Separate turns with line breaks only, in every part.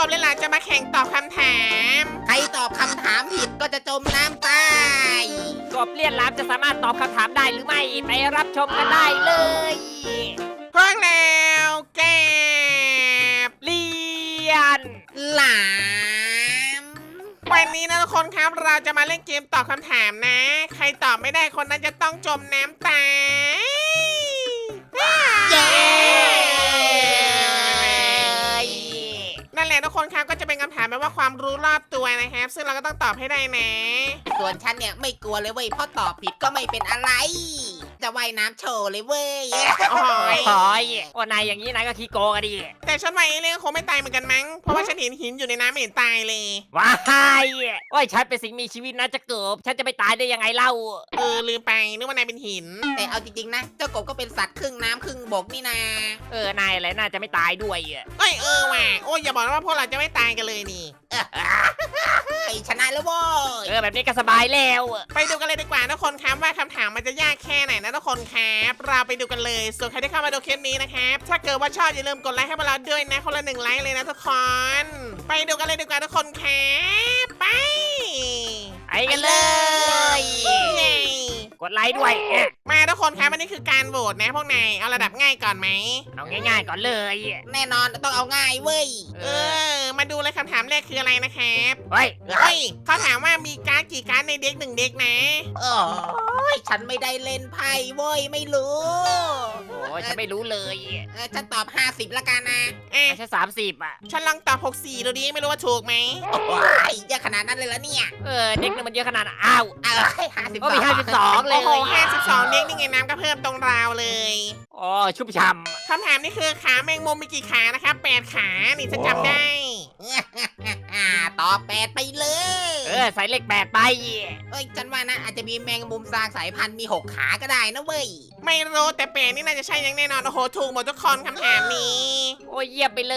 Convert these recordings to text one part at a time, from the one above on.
เลยล่ะจะมาแข่งตอบคำถาม
ใครตอบคำถามผิดก็จะจมน้ำตาย
กบเลียนหลามจะสามารถตอบคำถามได้หรือไม่ไปรับชมกันได้เลย
พวกแล้วแกบ
เลียน
หลาม
วันนี้นะทุกคนครับเราจะมาเล่นเกมตอบคำถามนะ ใครตอบไม่ได้คนนั้นจะต้องจมน้ำตาย
เย้
นั่นแหละทุกคนครับก็จะเป็นคำถามแบบว่าความรู้รอบตัวนะครับ ซึ่งเราก็ต้องตอบให้ได้นะ
ส่วนฉันเนี่ยไม่กลัวเลยเว้ยเพราะตอบผิดก็ไม่เป็นอะไร จะว่ายน้ำโชว์เลยเว้ย
โอ้ย
โอ้ยโอ้นายอย่างนี้นายก็ขี้โกงอะดิ
แต่ฉันว่าเอเลี่ยนคงไม่ตายเหมือนกันมั้งเพราะว่าฉันเห็นหินอยู่ในน้ำไม่เห็นตายเลย
ว้ายโอ้ยฉันเป็นสิ่งมีชีวิตนะจะเกิบฉันจะไปตายได้ยังไงเล่า
ลืมไปนึกว่านายเป็นหิน
แต่เอาจริงๆนะเจ้ากบก็เป็นสัตว์ครึ่งน้ำครึ่งบกนี่นา
นายอะไรน่าจะไม่ตายด้วยอะ
เอ้ยว่ะโอ้ยอย่าบอกนะว่าพวกเราจะไม่ตายกันเลยนี่
ไอ้ชนะแล้วเว้ย
แบบนี้ก็สบายแล้ว
ไปดูกันเลยดีกว่าทุกคนครับว่าคำถามมันจะยากแค่ไหนนะทุกคนครับเราไปดูกันเลยส่วนใครที่เข้ามาดูคลิปนี้นะครับถ้าเกิดว่าชอบอย่าลืมกดไลค์ให้พวกเราด้วยนะคนละ1 ไลค์เลยนะทุกคนไปดูกันเลยดีกว่าทุกคนครับไป
ไปกันเลย
เย้
กดไลค์ด้วย
มาทุกคนครับอันนี้คือการโหวตนะพวกนายเอาระดับง่ายก่อนไหม
เอาง่ายๆก่อนเลย
แน่นอนต้องเอาง่ายเว้ย
มาดูเลยคำถามแรกคืออะไรนะครับ
เฮ้ย
เฮ้ยเขาถามว่ามีการ์ดกี่การ์ดในเด็ก1 เด็กนะ
โอ้ยฉันไม่ได้เล่นไพ่เว้ยไม่รู้
โอ้ยฉันไม่รู้เลย
ฉันตอบ 50ละกันนะ
อ่ะ
ฉัน30อ่ะ
ฉันลองตอบ64ดูดิไม่รู้ว่าถูกไหม
โอ้ยเยอะขนาดนั้นเลยละเนี่ย
เด็กนึงมันเยอะขนาดนั้นอ้าว
52
ก็มี52เล
โอ้
ย
โห52เด็กนี่ไงน้ำก็เพิ่มตรงราวเลย
อ๋อชุ่มฉ่
คำถามนี่คือขาแมงมุมมีกี่ขานะครับ8 ขานี่ฉันจำได้
ตอบ8ไปเลย
ำใส่เลข8ไป
เอ้ยฉันว่านะอาจจะมีแมงมุมซากสายพันธุ์มี6 ขาก็ได้นะเว้ย
ไม่รู้แต่8นี่น่าจะใช่อยังแน่นอนโอ้โหถูกหมดทุกคนคำถามนี้
โอ้ยเยี่ยมไปเลย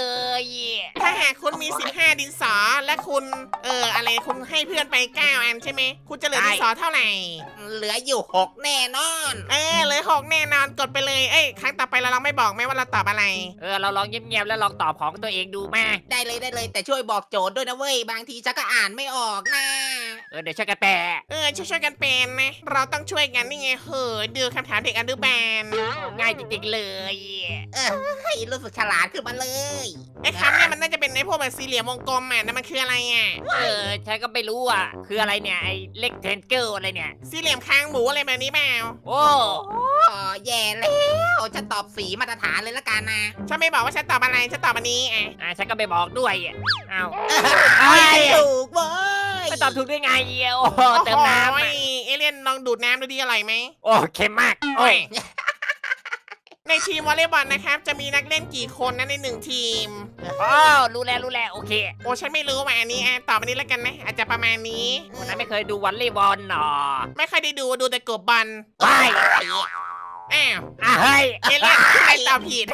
ถ้าหากคุณมี15ดินสอและคุณอะไรคุณให้เพื่อนไป9 อันใช่ไหมคุณจะเหลือดินสอเท่าไหร่
เหลืออยู่ 6 แน่นอน
เหลือ6แน่นอนกดไปเลยครั้งต่อไปเราลองไม่บอกไหมว่าเราตอบอะไร
เราลองเงียบๆแล้วลองตอบของตัวเองดูมา
ได้เลยแต่ช่วยบอกโจทย์ด้วยนะเว้ยบางทีฉันก็อ่านไม่ออกนะ
เดี๋ยวช่วยกันแปล
ช่วยๆกันเป็นนะ เราต้องช่วยกันนี่ไงดูคำถามเด็กอนุบาล
ง่ายจริงๆเลย
เฮ้ยรู้สึกฉลาดขึ้นมาเลย
คำเนี่ยมันน่าจะเป็นในพวกแบบสี่เหลี่ยมวงกลมอ่ะนั่นมันคืออะไรอ่ะ
ฉันก็ไม่รู้อ่ะ คืออะไรเนี่ยไอ้เล็กเทนเกิลอะไรเนี่ย
สี่เหลี่ยมคางหมูอะไรแบบนี้เปล่า
โอ้
อ๋อแย่แล้วฉันตอบสีมาตรฐานเลยละกันนะ
ฉันไม่บอกว่าฉันตอบอะไรฉันตอบอันนี้
ฉันก็ไม่บอกด้วยอ้าว
ถูกเว้ย
ไม่ตอบถูกได้ไงโอ้เติมน้ำ
เอเลี่ยนลองดูดน้ำดูดีอร่อยไหม
โอ้เค็มมากโอ้ย
ในทีมวอลเลย์บอลนะครับจะมีนักเล่นกี่คนนะใน1 ทีม
รู้แล้วโอเค
โอ้ฉันไม่รู้ว่าอันนี้ตอบอันนี้แล้วกันนะอาจจะประมาณนี้
คนนั้นไม่เคยดูวอลเลย์บอลหรอ
ไม่ค่อยได้ดูแต่กบบอล
ว้าย
อ้าว
เฮ้ย
เอเลี่ยนใครตอบผิด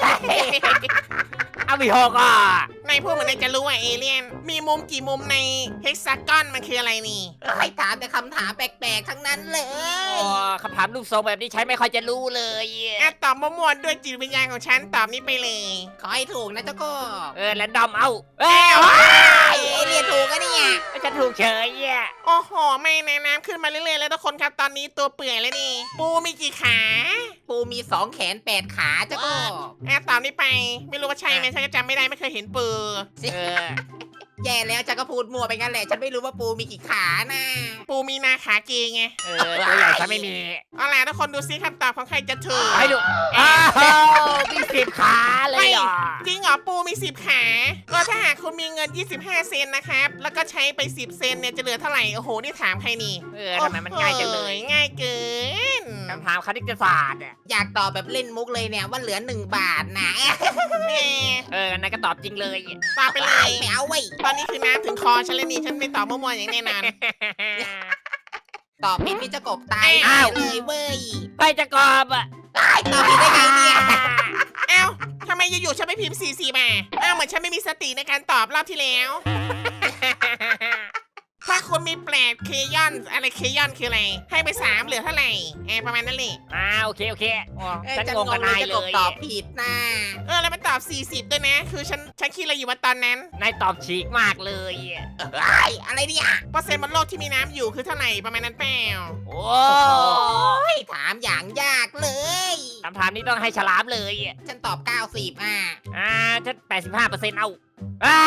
เอาไปหกอ่ะ
ในพวกเหมือนจะรู้ว่าเอเลี่ยน มีมุมกี่มุมในเฮกซากอนมันคืออะไรนี่
ให้ถามแต่คำถามแปลกๆทั้งนั้นเลย
คำถามรูปทรงแบบนี้ใช้ไม่ค่อยจะรู้เลย
ตอบมั่วๆด้วยจิตวิญญาณของฉันตอบนี้ไปเลย
ขอให้ถูกนะเจ้าก็
แรนดอมเอา
ไอ้เรียนถูกก็เนี่ย
ฉันถูกเฉยอ่ะ
โอ้โหไม่ในน้ำขึ้นมาเรื่อยๆแล้วทุกคนครับตอนนี้ตัวเปื่อยแล้วนี่ ปูมีกี่ขา
ปูมี2 แขน 8 ขาเจ้าก็
ตอบนี้ไป ไม่รู้ว่าใช่ไหมฉันก็จำไม่ได้ไม่เคยเห็นปู
แย่แล้วฉันก็พูดมั่วไปงั้นแหละฉันไม่รู้ว่าปูมีกี่ขานะ
ปูมีนาขาเกงไง
ตัวใหญ่ฉันไม่มี
เอาล่ะทุกคนดูซิคำตอบของใครจะถูก
ให้ดูอ้าวมี10 ขาเลยเหรอ
จริงเหรอปูมี10 ขาก็ถ้าหากคุณมีเงิน25 เซนนะครับแล้วก็ใช้ไป10 เซนเนี่ยจะเหลือเท่าไหร่โอ้โหนี่ถามใครนี่
ทำไมมันง่ายจังเลย
ง่ายเกิน
คำถามคณิตศาสตร์อ่ะ
อยากตอบแบบเล่นมุกเลยเนี่ยว่าเหลือ1 บาทนะ
แหม
นายก็ตอบจริงเลย
ตอบไปเลย
ไม่เอาเว้ย
ตอนนี้คือน้ำถึงคอฉันแล้วนี่ฉันไม่ตอบมั่วๆอย่างแน่นอน
ตอบผิดนี่จะกบตาย
อ้าว
เลยเว้ย
ไปจะกรอบอ่ะ
ตอบผิดได้ไงเนี่ย
เอ้าทำไมอยู่ๆฉันไม่พิมพ์44มาเหมือนฉันไม่มีสติในการตอบรอบที่แล้วถ้าคุณมีแปดเคยอนอะไรเคยอนคืออะไรให้ไป3เหลือเท่าไหร่ประมาณนั้นเลย
โอเคอ๋อ
ฉัน
ฉัน
ง
ง
ง
งกับ
เล
นาย ย
จะ
เล
กบ
ย
ตอบผิดนะ
แล้วมันตอบ40ด้วยนะคือฉันคิดอะไรอยู่ว่าตอนนั้น
นายตอบฉีกมากเลย
อะไรเนี่ย
เปอร์เซ็นต์บนโลกที่มีน้ำอยู่คือเท่าไหร่ประมาณนั้นเปล่า
โอ้
ถามอย่างยากเลย
คำถามนี้ต้องให้ฉลามเลย
ฉันตอบ 90
ฉัน85%เอาไอ้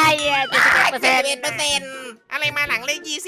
71%
อะไรมาหลังเลข20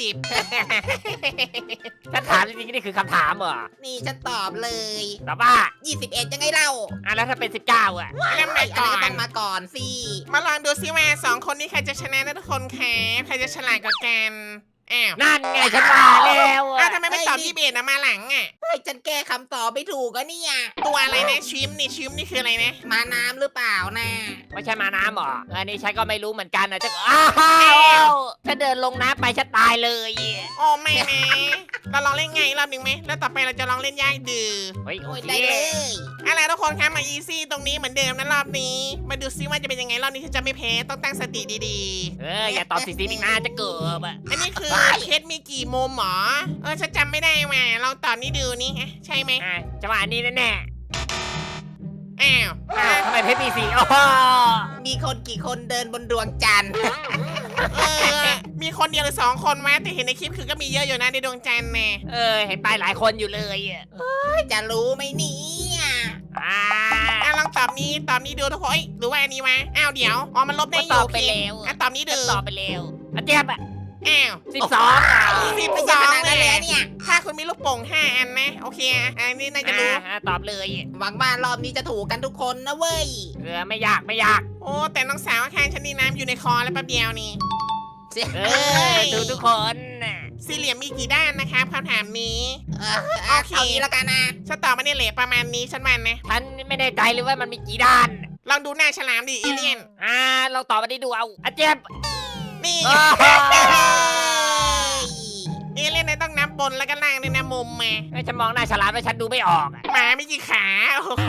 ฉันถามจริงๆนี่คือคำถามเหรอ
นี่ฉันตอบเลย
ตอบว่า
21ยังไงเล่า
แล้วถ้าเป็น19
อันนั้นมา
อัน
ก่อ
นั้นก็ต้อน งมาก่อนสิ
มาลองดูซิว่า2คนนี้ใครจะชนะนะทุกคนครับใครจะฉลาดกว่ากันอ้าว
นั่นไงฉันมาแล้ว
ทำไมไม่ตอบ21นะมาหลังอ่ะ
เฮ้ยฉันแก้คำตอบไม่ถูกก็เนี่ย
ตัวอะไรนะชิมนี่คืออะไรนะ
มาน้ำหรือเปล่านะ
ไม่ใช่มาน้ำเหรออันนี้ฉันก็ไม่รู้เหมือนกันนะจะอ้าวฉันเดินลงน้ำไปฉันตายเลย
โอ้ไม่นะเราลองเล่นไงรอบหนึ่งไหมแล้วต่อไปเราจะลองเล่นยากดื้อ
เฮ้ยโอ
โอ้ย
เค
ได้เลย
อะไรทุกคนครับมาอีซี่ตรงนี้เหมือนเดิมนะรอบนี้ มาดูซิว่าจะเป็นยังไงรอบนี้ฉันจะไม่แพ้ต้องตั้งสติดี
อย่าตอบ40อีกนะจะเกิบ
ๆ อันนี้คือเคสมีกี่มุมหรอฉันจำไม่ได้ว่ะลองตอบนี่ดูนี่ฮะใช่ไหม
จังหวะนี้แน่
อ้าว
ๆทำไมเพชรมีสีโอ้โห
มีคนกี่คนเดินบนดวงจันทร์
มีคนเดียวหรือ2 คนวะแต่เห็นในคลิปคือก็มีเยอะอยู่นะในดวงจันทร์แน่
เห็นไปหลายคนอยู่เลย
จะรู้ไหมเนี่ย
ลองตอบนี้ดูทุกคนหรือว่าอันนี้วะอ้าวเดี๋ยวมันลบได้อ
ต
ยู่
อบไปแล้ว
ตอบนี้ดู
ตอบไปแล้วเจี๊ยบ
อ้าว
12
ไม่ใช่ขนาดนั้นเลยเนี่ย
ถ้าคุณมีลูกโป่ง5 อันนะโอเคอันนี้น่าจะรู้
ตอบเลย
หวังว่ารอบนี้จะถูกกันทุกคนนะเว้ย
ไม่ยาก
โอ้แต่น้องสาวข้างฉันนี่น้ำอยู่ในคอแล้วแป๊บเดียวนี่
ดูทุกคน
สี่เหลี่ยมมีกี่ด้านนะครับคำถามนี้
เอางี้แล้วกันนะ
ฉันตอบมาเนี่ยแหละประมาณนี้ฉันมันนะ
ฉันไม่แน่ใจเลยว่ามันมีกี่ด้าน
ลองดูหน้าฉลามดิเอเลี่ยน
เราตอบมาได้ดูเอาเจี๊ยบ
นี่ เอเลี่ยนต้องนับบนแล้วก็ล่างด้วยนะมุมมา
ฉันมองหน้าฉลามแล้วฉันดูไม่ออก
หมาไม่กี่ขาโอ้โห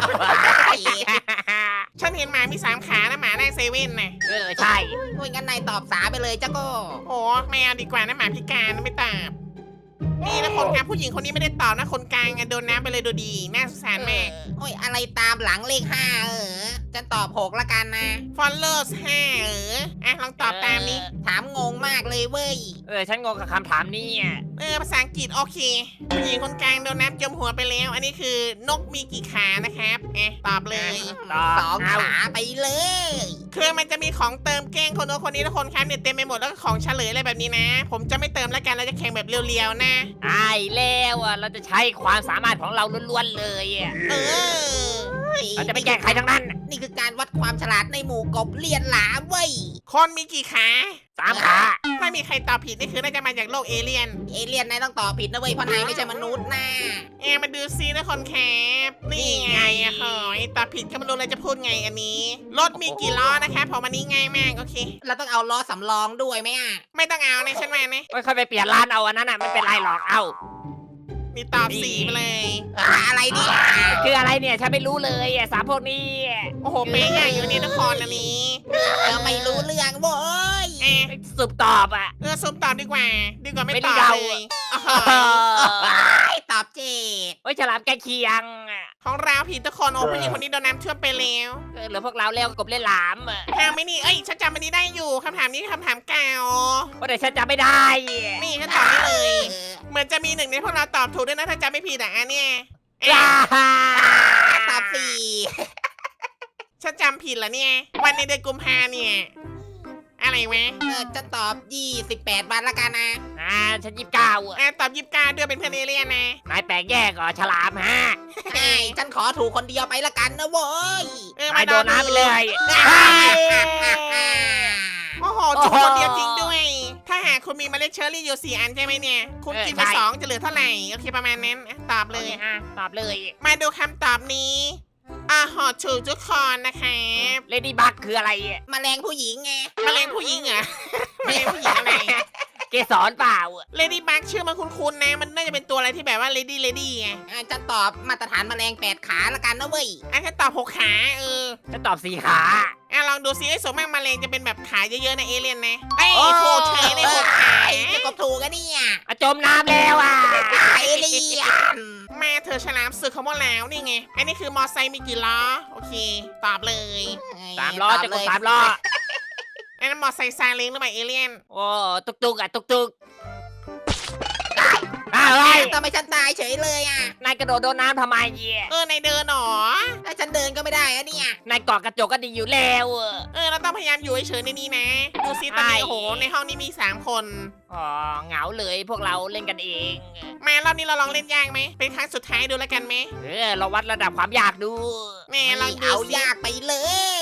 ฉันเห็นหมามี3 ขานะหมาในเซเว่นนะ
ใช่
โอ้ยงั้นนายตอบสาไปเลยจ้าโก็
โอ้ไม่เอาดีกว่านะหมาพิการนะไม่ตอบนี่นะคนครับผู้หญิงคนนี้ไม่ได้ตอบนะคนกลางโดนน้ำไปเลยดูดีน่าสงสารมาก
โอ้ยอะไรตามหลังเลข5ฉันตอบ6ละกันนะ
followers 5ลองตอบตามนี้
ถามงงมากเลยเว้ย
ฉันงงกับคำถามนี้
ภาษาอังกฤษโอเคผู้หญิงคนกลางโดนน้ำจมหัวไปแล้ว อันนี้คือนกมีกี่ขานะครับตอบเลย
2 ขาไปเลย
คือมันจะมีของเติมแกล้งคนโน้นคนนี้ทุกคนครับเนี่ยเต็มไปหมดแล้วก็ของเฉลยอะไรแบบนี้นะ ผมจะไม่เติมแล้วกันเราจะแข่งแบบเรียวๆนะ
ใช่แล้วเราจะใช้ความสามารถของเราล้วนๆเลย
เออ
เราจะไม่แกล้งใครทั้งนั้น
นี่คือการวัดความฉลาดในหมู่กบเลียนหลามเว้ย
คนมีกี่ขา
3 ขา
ถ้ามีใครตอบผิดนี่คือน่าจะมาจากโลกเอเลี่ยน
เอเลี่ยนนายต้องตอบผิดนะเว้ยเพราะนายไม่ใช่มนุษย์นะ
มาดูซินะคนแคปนี่ไงอะหอยตอบผิดก็ไม่รู้เลยจะพูดไงอันนี้ รถมีกี่ล้อนะคะผมอันนี้ง่ายมากโอเค
เราต้องเอาล้อสำรองด้วยไหมอ่ะ
ไม่ต้องเอานะฉันมานะ
ไม่ค่อยไปเปลี่ยนร้านเอาอันนั้นไม่เป็นไรหรอก
นี่ตอบ4ไปเลย
อะไรเนี่ย
คืออะไรเนี่ยฉันไม่รู้เลยสามพวกนี้
โอ้โหเป๊ะใหญ่อยู่นี่นครอันนี้
ไม่รู้เรื่องเว้ย
สุบตอบ
ซุมตอบดีกว่าไม่
ไม่
ต
ได้
อบ
เดา
เลยอ๋อ
ตอบเจด
โอ้ยฉลามใกล้เคียง
ของเราผิดทุกคนโอ้ผู้หญิงคนนี้โดนน้ำท่วมไปแล้ว
เหลือพวกเราแล้วกบเล่นหลาม
ห้ามไม่นี่ฉันจำอันนี้ได้อยู่คำถามนี้คำถามเก่า
ว่าแต่ฉันจำไม่ได้
นี่ฉันตอบได้เลย เหมือนจะมีหนึ่งในพวกเราตอบถูกด้วยนะถ้าจำไม่ผิดอ่ะเนี่ย
ตอบสี่
ฉันจำผิดเหรอเนี่ย วันในเดือนกุมภาเนี่ย อะไรวะ
จะตอบ28 วันละกันนะ
ฉัน29
ตอบ29ด้วยเป็นเพื่อนเอเลี่ยนนะ
นายแปลกแยกเหรอฉลามฮะ
ฉันขอถูกคนเดียวไปละกันนะเว้ย
นายโดนน้ำไปเลย
โอ้โหถูกคนเดียวจริงด้วย ถ้าหากคุณมีเมล็ดเชอร์รี่อยู่4 อันใช่ไหมเนี่ย คุณกินไป2จะเหลือเท่าไหร่โอเคประมาณนั้นตอบเลย
ตอบเลย
มาดูคำตอบนี้หอถูกทุกคนนะครับ
เลดี้บักคืออะไร
แมลงผู้หญิงไง
มะเร็งผู้หญิงเหรอ มะเร็งผู้หญิงอะไร
แเกสรเปล่า
เลดี้บักชื่อมันคุ้นๆนะมันน่าจะเป็นตัวอะไรที่แบบว่าเลดี้ไง
ฉันตอบมาตรฐานแมลง8 ขาละกันนะเว้ย
ฉันตอบ6 ขา
ฉันตอบ4 ขา
ลองดูซิไอ้สมมากแมลงจะเป็นแบบขาเยอะๆนะเอเลี่ยนนะไอ้โคเชยได้6 ขา
จะกบถูกกันเนี่ย
จมน้ำแล้วอ่ะ
เอเลี่ยน
มาเธอฉลามสึกเขาหมดแล้วนี่ไงอันนี้คือมอไซค์มีกี่ล้อโอเคตอบเลย
3 ล้อจะกด3 ล้อ
อันนั้นมอไซค์ซาเล้งหรือเปล่าเอเลี่ยน
โอ้ตุกอะไร
ทำไมฉันตายเฉยเลยอ่ะ
นายกระโดดโดนน้ำทำไม
ในเดินหรอ
ถ้าฉันเดินก็ไม่ได้อะเนี่ย
นายเกาะกระจกก็ดีอยู่แล้ว
เราต้องพยายามอยู่เฉยๆในนี้นะดูซิตอนนี้โอ้โหในห้องนี้มี3 คน
อ๋อเหงาเลยพวกเราเล่นกันเอง
มารอบนี้เราลองเล่นยากไหมเป็นครั้งสุดท้ายดูแล้วกันไหม
เราวัดระดับความยากดู
แม่ลองดู
เอา
ซิ
ยากไปเลย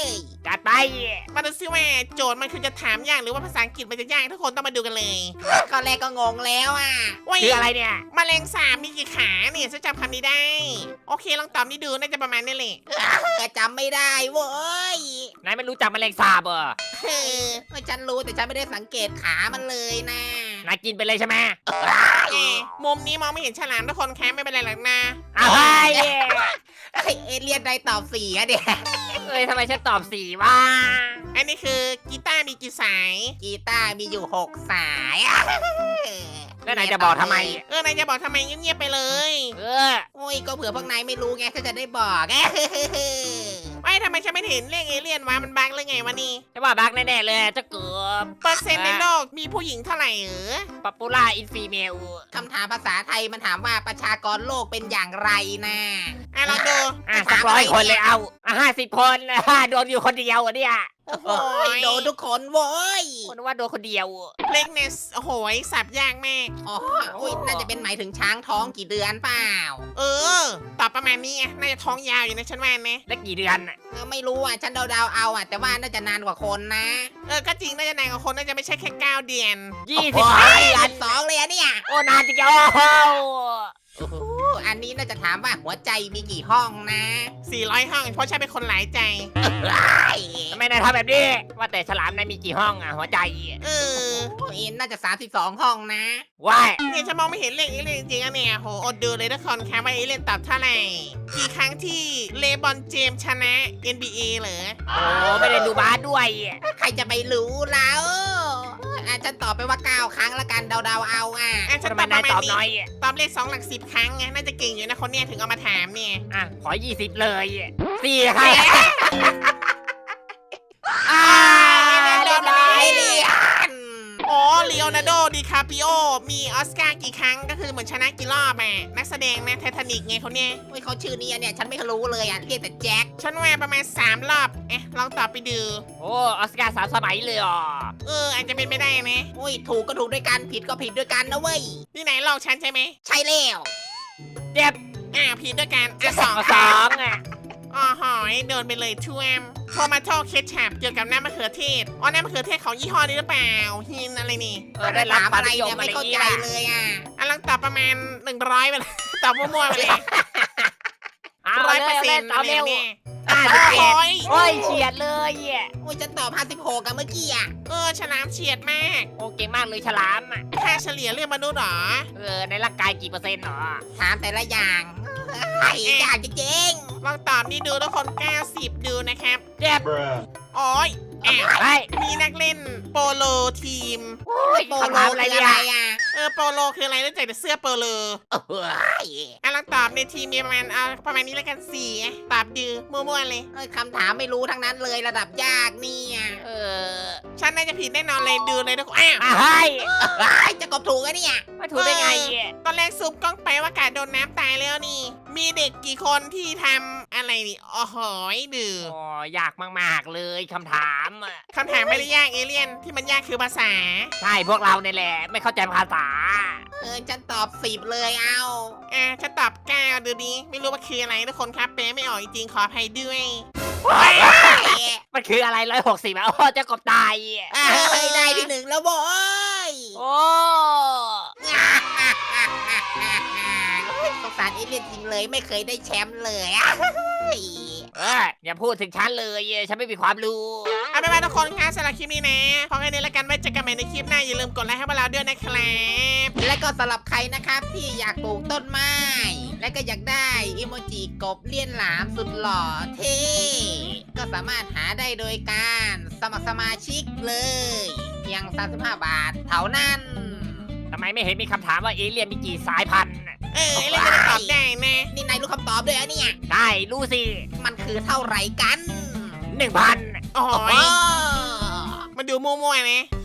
จัดไป
มาดูซิว่าโจทย์มันคือจะถามยากหรือว่าภาษาอังกฤษมันจะยากทุกคนต้องมาดูกันเลย
ก็แรกก็งงแล้วอ่ะ
ว้ย
คืออะไรเนี่ย
แมลงสาบมีกี่ขาเนี่ยฉันจำคำนี้ได้ โอเคลองตอบนี่ดูน่าจะประมาณนี้แหละ
จำไม่ได้เว้ย
นายไม่รู้จักแมลงสาบเหรอ
ฉันรู้แต่ฉันไม่ได้สังเกตขามันเลยนะ
นายกินไปเลยใช่ไหม
มุมนี้มองไม่เห็นฉลามทุกคนแค่ไม่เป็นไรหรอกนะ
อ้าวเฮ้ย
เอเลียนได้ตอบ4อะเดี๋ย
ทำไมฉันตอบ4วะ
อันนี้คือกีตาร์มีกี่สาย
กีตาร์มีอยู่6 สาย
แล้วนายจะบอกทำไม
นายจะบอกทำไมเงียบๆไปเลย
โอ้ยก็เผื่อพวกนายไม่รู้ไงถ้าจะได้บอก
ไม่ทำไมฉันไม่เห็นเรียกเอเลี่ยนวะมันบังเลยไงวะนี่
จะว่าบักแน่ๆเลยเจะเกือบ
เปอร์เซ็นต์ในโลกมีผู้หญิงเท่าไหร่
ป๊อปปูล่าอินฟีเมล
คำถามภาษาไทยมันถามว่าประชากรโลกเป็นอย่างไรนะ
ลองดู
สัก100 คนเลยเอา50 คนโดนอยู่คนเดียวเนี่ย
โอ้โห
โอ้ยโดนทุกคนโว้ย
คนว่าโดนคนเดียว
เล็กเนสโอ้โหสับยากแม่
อ๋ออุ้ยน่าจะเป็นหมายถึงช้างท้องกี่เดือนเปล่า
ตอบประมาณนี้ไงน่าจะท้องยาวอยู่ในชั้นแวนนะ
แล้วกี่เดือนน่ะ
ไม่รู้อ่ะฉันเดาๆเอาอ่ะแต่ว่าน่าจะนานกว่าคนนะ
ก็จริงน่าจะนานกว่าคนน่าจะไม่ใช่แค่9 เดือน
20
โอ้
ปี
ยอัน2เลยอะเนี่ย
โอ้นานจริงโอ้โห
อันนี้น่าจะถามว่าหัวใจมีกี่ห้องนะ
400 ห้องเพราะฉันเป็นคนหลายใจ
ทำไมนายทำแบบนี้ว่าแต่ฉลามนายมีกี่ห้องหัวใจ
เออ
โอ้ยน่าจะ32 ห้องนะ
ว้าย
เนี่ยฉันมองไม่เห็นเลขเอเลี่ยนจริงๆอะเนี่ยโหอดดูเลยทุกคนครับว่าเอเลี่ยนตอบเท่าไหร่กี่ครั้งที่เลบอนเจมส์ชนะ NBA เหรอ
โอ้ไม่ได้ดูบาสด้วย
ใครจะไปรู้แล้วฉันตอบไปว่า9 ครั้งละกันเดาๆเอาอ่ะ
ฉัน
ทำ
ต
ไม
อบป
นาย
ระมา
ต
ณ
อบ
นี้
น้อย
ตอบเลข2 หลัก 10 ครั้งไงน่าจะเก่งอยู่นะคนเนี้ยถึงเอามาถามเนี่ย
ขอ20เลย4ค่ะเรียบร้อย
เอเลียน
อ๋อลีโอนาร์โดดิคาปิโอมีออสการ์กี่ครั้งก็คือเหมือนชนะกี่รอบนักแสดงนะไททานิกไงเขาเนี่ย
โอ้ยเขาชื่อนี้เนี่ยฉันไม่รู้เลยอ่ะเรียกแต่แจ็ค
ฉันว่าประมาณ3 รอบลองตอบไปดู
โอ้ออสการ์3 สมัยเลยอ่ะ
อาจจะเป็นไม่ได้นะ
โอ้ยถูกก็ถูกด้วยกันผิดก็ผิดด้วยกันนะเว้ย
นี่ไหนลอกฉันใช่ไหม
ใช่แล้ว
เจ็บ
ผิดด้วยกัน
สอง
อ๋อหอยโดนไปเลยท่วมโทมาโตเคชัพเกี่ยวกับน้ำมะเขือเทศน้ำมะเขือเทศของยี่ห้อนี้หรือเปล่าฮินอะไรนี่
ได้รับ
ถาม
ความ
อะไร
นิยม
เนี่ย
อะไร
ไม่เข้า
นี้
ใจ
ล่ะ
เลยอ่ะ
ลองตอบประมาณ100ไปเลย ตอบมั่วๆไปเลย
เอาเลยเอา
100%
เร็ว
เนี่ย
51โอ้ยเฉียดเลย
โอ้ยฉันตอบ56กันเมื่อกี้อ่ะ
ฉลามเฉียดมาก
โอ้เก่งมากเลยฉลาม
ค่าเฉลี่ยเรื่องมนุษย์เหรอ
ในร่างกายกี่เปอร์เซ็นต์หรอ
ถามแต่ละอย่างไอ้ยากจริง
ลองตอบนี่ดูทุกคน90ดูนะครับ
เจ็บ
อ้อยอ้าว
เฮ้ย
มีนักเล่นโปโลทีม
ๆโอ้ยโปโล
คำถามอะไร
คือ
เนี่ย
อะไรอ่ะ
โปโลคืออะไรรู้จักแต่เสื้อโปโล
โอ้ย
ลองตอบในทีมมีประมาณประมาณนี้แล้วกัน4ตอบดื้อมั่วๆเลย
คำถามไม่รู้ทั้งนั้นเลยระดับยากเนี่ย
ฉันน่าจะผิดแน่นอนเลยดูเลยทุกคนอ้าว
เฮ้ย
จะกบถูกอะเนี่ย
มาถูกได้ไง
ตอนแรกซูมกล้องไปว่ากาดโดนน้ำตายแล้วนี่ มีเด็กกี่คนที่ทำอะไรนี่โอ้โหดื้อ
โอ้ยากมากๆเลยคำถาม
คำถามไม่ได้ยากเอเลี่ยนที่มันยากคือภาษา
ใช่พวกเราเนี่ยแหละไม่เข้าใจภาษา
ฉันตอบ10เลยเอา
ฉันตอบ9ดูดีไม่รู้ว่าคืออะไรทุกคนครับแปลไม่ออกจริงๆขออภัยด้วย
มันคืออะไร160โอ้เจ้ากบตาย
ได้ที่1แล้วโว้ย
โอ้
สงสารเอเลี่ยนจริงเลยไม่เคยได้แชมป์เลย
อย่าพูดถึงฉันเลยฉันไม่มีความรู้
เอาไปนว่าทุกคนคะสำหรับคลิปนี้นะพอแค่นี้แล้วกันไว้เจอกันใหม่ในคลิปหน้าอย่าลืมกดไลค์ให้พวกเราด้วยนะครับ
และก็สำหรับใครนะครับที่อยากปลูกต้นไม้ และก็อยากได้อิโมจิกบเลี่ยนหลามสุดหล่อเท่ก็สามารถหาได้โดยการสมัครสมาชิกเลยเพียง35 บาทเท่านั้น
ทำไมไม่เห็นมีคำถามว่าเอเลี่ยนมีกี่สายพันธุ์
ไอ้เรื่องจะได้ตอบได้นะ
นี่นายรู้คำตอบด้วยเหรอเนี่ย
ได้รู้สิ
มันคือเท่าไหร่กัน
1,000
โอ้
โอ้
ย
โห
มาดูมั่วๆนะ